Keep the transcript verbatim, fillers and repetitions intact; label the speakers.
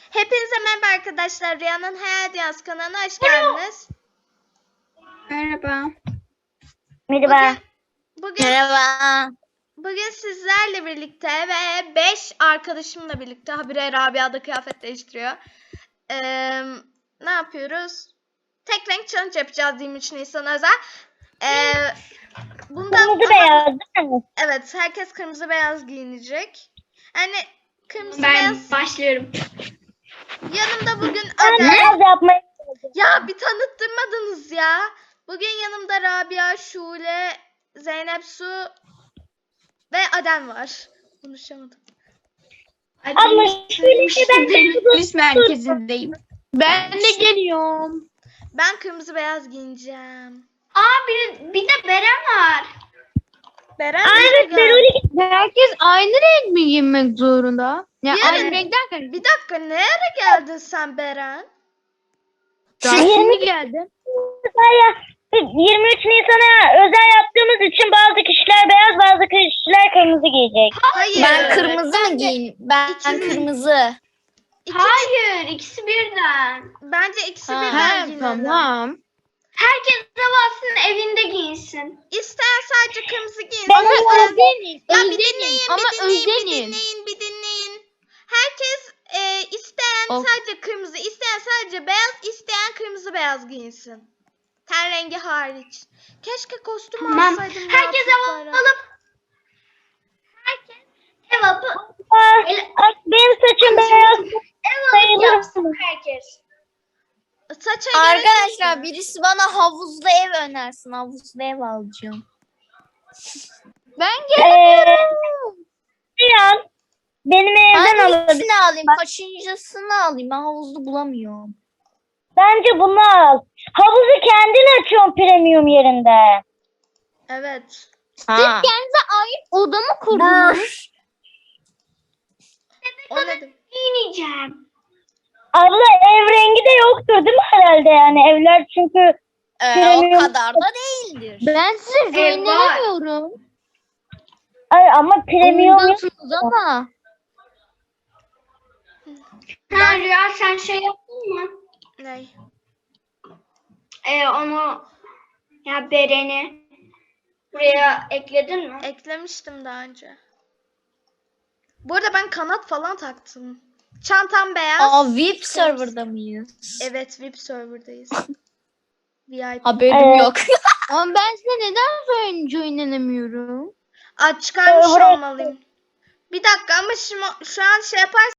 Speaker 1: Hepinize merhaba arkadaşlar. Rüyanın Hayal Dünyası kanalına hoş geldiniz.
Speaker 2: Merhaba.
Speaker 3: Merhaba.
Speaker 1: Bugün, bugün,
Speaker 3: Merhaba.
Speaker 1: bugün sizlerle birlikte ve beş arkadaşımla birlikte habire Rabia da kıyafet değiştiriyor. Ee, ne yapıyoruz? Tek renk challenge yapacağız yirmi üç Nisan özel. Ee, bundan
Speaker 3: Kırmızı beyaz değil mi?
Speaker 1: Evet, herkes kırmızı beyaz giyinecek. Yani kırmızı
Speaker 2: Ben
Speaker 1: beyaz.
Speaker 2: başlıyorum.
Speaker 1: Yanımda bugün
Speaker 3: Ben
Speaker 1: Adem.
Speaker 3: beyaz yapmayı istedim.
Speaker 1: Ya bir tanıttırmadınız ya. Bugün yanımda Rabia, Şule, Zeynep Su ve Adem var. Konuşamadım.
Speaker 3: Ama şöyle ki ben
Speaker 2: Polis merkezindeyim. Ben de geliyorum.
Speaker 1: Ben kırmızı beyaz giyineceğim.
Speaker 2: Aa bir, bir de Beren var.
Speaker 1: Beren
Speaker 3: Aa,
Speaker 1: nereye
Speaker 3: evet
Speaker 1: geldi?
Speaker 3: ben öyle
Speaker 4: Herkes aynı renk mi giymek zorunda? Ya
Speaker 1: Yani-
Speaker 4: aynı renk derken
Speaker 1: Bir dakika, nereye geldin sen Beren?
Speaker 4: daha şimdi geldim.
Speaker 3: ya yirmi üç Nisan'a özel yaptığımız için bazı kişiler beyaz, bazı kişiler kırmızı giyecek.
Speaker 1: Hayır.
Speaker 5: Ben kırmızı mı giyeyim? Ben
Speaker 1: İkisi-
Speaker 5: kırmızı.
Speaker 1: İki-
Speaker 2: Hayır ikisi birden.
Speaker 1: Bence ikisi
Speaker 5: Ha,
Speaker 1: birden
Speaker 4: Ha,
Speaker 1: giyinelim.
Speaker 4: tamam.
Speaker 2: Herkes havasının evinde giyinsin.
Speaker 1: İsteyen sadece kırmızı giyinsin.
Speaker 3: Ben
Speaker 1: İsteyen-
Speaker 4: Ama özenin,
Speaker 1: Ya bir
Speaker 4: özenin.
Speaker 1: dinleyin,
Speaker 4: Ama
Speaker 1: bir dinleyin, bir
Speaker 4: özenin.
Speaker 1: dinleyin, bir dinleyin. Herkes e, isteyen
Speaker 4: Of.
Speaker 1: sadece kırmızı, isteyen sadece beyaz, isteyen kırmızı beyaz giyinsin. Ten rengi hariç. Keşke kostüm
Speaker 2: Tamam.
Speaker 1: alsaydım. ya
Speaker 2: Herkes hava
Speaker 1: çocuklara.
Speaker 2: alıp herkes ev alıp
Speaker 3: Aa, aa, benim saçım beyaz.
Speaker 2: ev alıp
Speaker 3: Sayılır
Speaker 2: yapsın
Speaker 3: mı?
Speaker 2: herkes.
Speaker 1: Saça gerek yok
Speaker 5: Arkadaşlar
Speaker 1: ya.
Speaker 5: birisi bana havuzlu ev önersin. Havuzlu ev alacağım.
Speaker 4: Ben
Speaker 3: Ee,
Speaker 4: gelemiyorum.
Speaker 3: Rüyan, benim evden alabilir.
Speaker 5: Hangisini alayım? Kaçıncısını alayım? Ben havuzlu bulamıyorum.
Speaker 3: Bence bunu al. Havuzu kendin açıyorsun premium yerinde.
Speaker 1: Evet.
Speaker 5: Ha.
Speaker 4: Kendinize ait oda mı kurdunuz?
Speaker 1: O ne demek?
Speaker 2: Giyineceğim.
Speaker 3: Abla ev rengi de yoktur değil mi herhalde yani evler çünkü
Speaker 5: Ee,
Speaker 3: Premium.
Speaker 5: o kadar da değildir.
Speaker 4: Ben size
Speaker 2: Ev var.
Speaker 4: söylemiyorum.
Speaker 3: ay ama premium yok.
Speaker 4: Oyundasınız ama.
Speaker 2: Ha Rüya sen şey yaptın mı?
Speaker 1: Ne?
Speaker 2: Ee, onu ya Beren'i buraya ekledin mi?
Speaker 1: Eklemiştim daha önce. Bu arada ben kanat falan taktım. Çantam beyaz.
Speaker 5: Aa, V I P serverda mıyız?
Speaker 1: Evet, V I P serverdayız. V I P.
Speaker 5: Haberim
Speaker 3: Evet.
Speaker 5: yok.
Speaker 4: Ama ben size neden oyuncu oynanamıyorum?
Speaker 1: Aa, çıkarmış
Speaker 3: Server'a-
Speaker 1: olmalıyım. Bir dakika ama şimdi şu an şey yaparsam